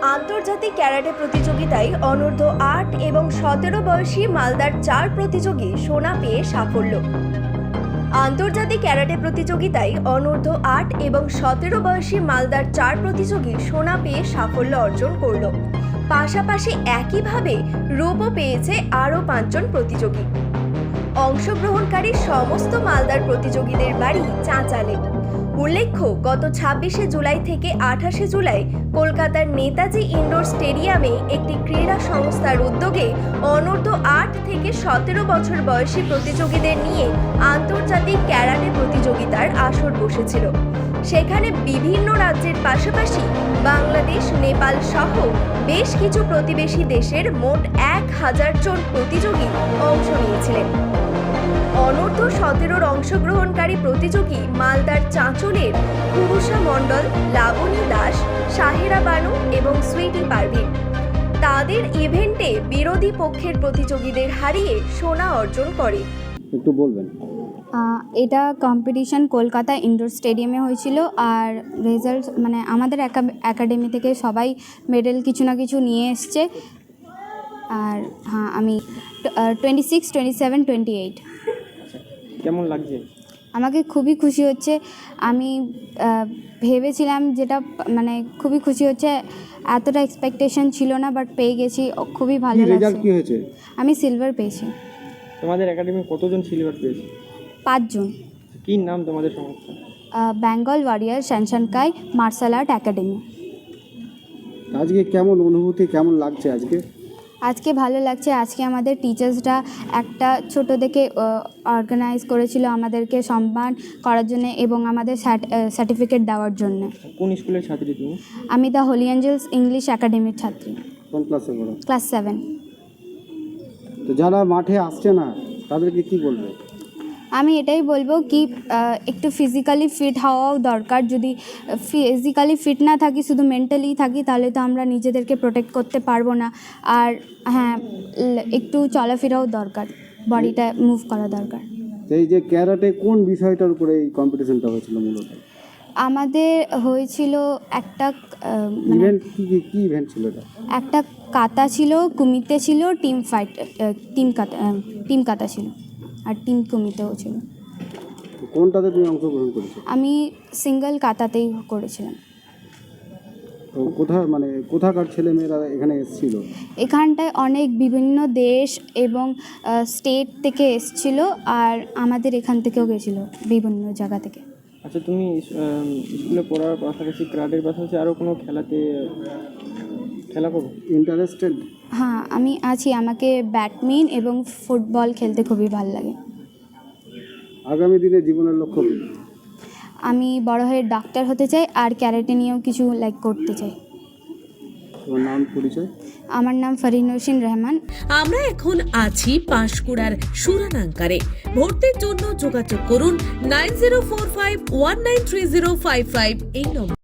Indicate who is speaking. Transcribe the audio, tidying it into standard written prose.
Speaker 1: আন্তর্জাতিক ক্যারাটে প্রতিযোগিতায় অনূর্ধ্ব ৮ এবং ১৭ বয়সী মালদার ৪ প্রতিযোগী সোনা পেয়ে সাফল্য। আন্তর্জাতিক ক্যারাটে প্রতিযোগিতায় অনূর্ধ্ব ৮ এবং ১৭ বয়সী মালদার ৪ প্রতিযোগী সোনা পেয়ে সাফল্য অর্জন করল। পাশাপাশি একইভাবে রূপও পেয়েছে আরও ৫ জন প্রতিযোগী। অংশগ্রহণকারী সমস্ত মালদার প্রতিযোগীদের বাড়ি চাঁচালে। উল্লেখ্য, গত ২৬শে জুলাই থেকে ২৮শে জুলাই কলকাতার নেতাজি ইনডোর স্টেডিয়ামে একটি ক্রীড়া সংস্থার উদ্যোগে অনূর্ধ্ব ৮ থেকে ১৭ বছর বয়সী প্রতিযোগীদের নিয়ে আন্তর্জাতিক ক্যারাটে প্রতিযোগিতার আসর বসেছিল। সেখানে বিভিন্ন রাজ্যের পাশাপাশি বাংলাদেশ, নেপাল সহ বেশ কিছু প্রতিবেশী দেশের মোট ১,০০০ জন প্রতিযোগী অংশ নিয়েছিলেন। অনূর্ধ্ব ১৭ অংশগ্রহণকারী প্রতিযোগী মালদার চাঁচলের পুরুষা মণ্ডল, লাবণী দাস, সাহেরা বানু এবং সুইটি পারভিন তাদের ইভেন্টে বিরোধী পক্ষের প্রতিযোগীদের হারিয়ে সোনা অর্জন করে।
Speaker 2: একটু বলবেন।
Speaker 3: এটা কম্পিটিশন কলকাতা ইনডোর স্টেডিয়ামে হয়েছিল। আর রেজাল্ট আমাদের একাডেমি থেকে সবাই মেডেল কিছু না কিছু নিয়ে এসছে। আর হ্যাঁ, আমি 26, 27, 28।
Speaker 2: কেমন লাগছে?
Speaker 3: আমাকে খুবই খুশি হচ্ছে। আমি ভেবেছিলাম যেটা খুবই খুশি হচ্ছে, এতটা এক্সপেকটেশন ছিল না, বাট পেয়ে গেছি, খুবই ভালো লাগছে।
Speaker 2: রেজাল্ট কি হয়েছে?
Speaker 3: আমি সিলভার পেয়েছি।
Speaker 2: তোমাদের একাডেমি কতজন সিলভার পেয়েছে?
Speaker 3: ৫ জন।
Speaker 2: কি নাম তোমাদের সংস্থা?
Speaker 3: বেঙ্গল ওয়ারিয়ার শ্যানশানকাই মার্শাল আর্ট একাডেমি।
Speaker 2: আজকে কেমন অনুভূতি, কেমন লাগছে আজকে?
Speaker 3: আজকে ভালো লাগছে। আজকে আমাদের টিচার্সরা একটা ছোট থেকে অর্গানাইজ করেছিল আমাদেরকে সম্মান করার জন্য এবং আমাদের সার্টিফিকেট দেওয়ার জন্য।
Speaker 2: কোন স্কুলের ছাত্রী তুমি?
Speaker 3: আমি দ্য হোলি অ্যাঞ্জেলস ইংলিশ একাডেমির ছাত্রী।
Speaker 2: কোন ক্লাসে পড়ো?
Speaker 3: ক্লাস 7।
Speaker 2: তো যারা মাঠে আসছে না তাদেরকে কি বলবে?
Speaker 3: আমি এটাই বলবো কি একটু ফিজিক্যালি ফিট হওয়াও দরকার। যদি ফিজিক্যালি ফিট না থাকি, শুধু মেন্টালি থাকি, তাহলে তো আমরা নিজেদেরকে প্রোটেক্ট করতে পারবো না। আর হ্যাঁ, একটু চলাফেরাও দরকার, বডিটা মুভ করা দরকার।
Speaker 2: এই যে ক্যারাটে কোন বিষয়টার উপরে এই কম্পিটিশনটা হয়েছিল মূলত?
Speaker 3: আমাদের হয়েছিল একটা
Speaker 2: ইভেন্ট কি ইভেন্ট ছিল এটা?
Speaker 3: একটা কাতা ছিল, কুমিতে ছিল, টিম কাতা ছিল, আর টিম কুমিতেও ছিল।
Speaker 2: কোনটাতে তুমি অংশগ্রহণ করেছো?
Speaker 3: আমি সিঙ্গেল কাতাতেই করেছিলাম।
Speaker 2: তো কোথাকার ছেলেমেয়েরা এখানে এসেছিল?
Speaker 3: এখানটায় অনেক বিভিন্ন দেশ এবং স্টেট থেকে এসেছিল, আর আমাদের এখান থেকেও গেছিলো বিভিন্ন জায়গা থেকে।
Speaker 4: আচ্ছা, তুমি স্কুলে পড়ার পাশাপাশি ক্রাডের পাশাপাশি আরও কোনো খেলা করো?
Speaker 2: ইন্টারেস্টেড?
Speaker 3: হ্যাঁ, আমি আছি। আমাকে ব্যাডমিন্টন এবং ফুটবল খেলতে খুবই ভালো লাগে।
Speaker 2: আগামী দিনে জীবনের লক্ষ্য কী?
Speaker 3: আমি বড় হয়ে ডাক্তার হতে চাই, আর ক্যারাটে নিয়েও কিছু করতে চাই।
Speaker 2: তোমার নাম, পরিচয়?
Speaker 3: আমার নাম ফরিনুশিন রহমান।
Speaker 5: আমরা এখন আছি পাঁশকুড়ার সুরানাঙ্কারে। ভর্তির জন্য যোগাযোগ করুন 9045193055 এই নম্বর।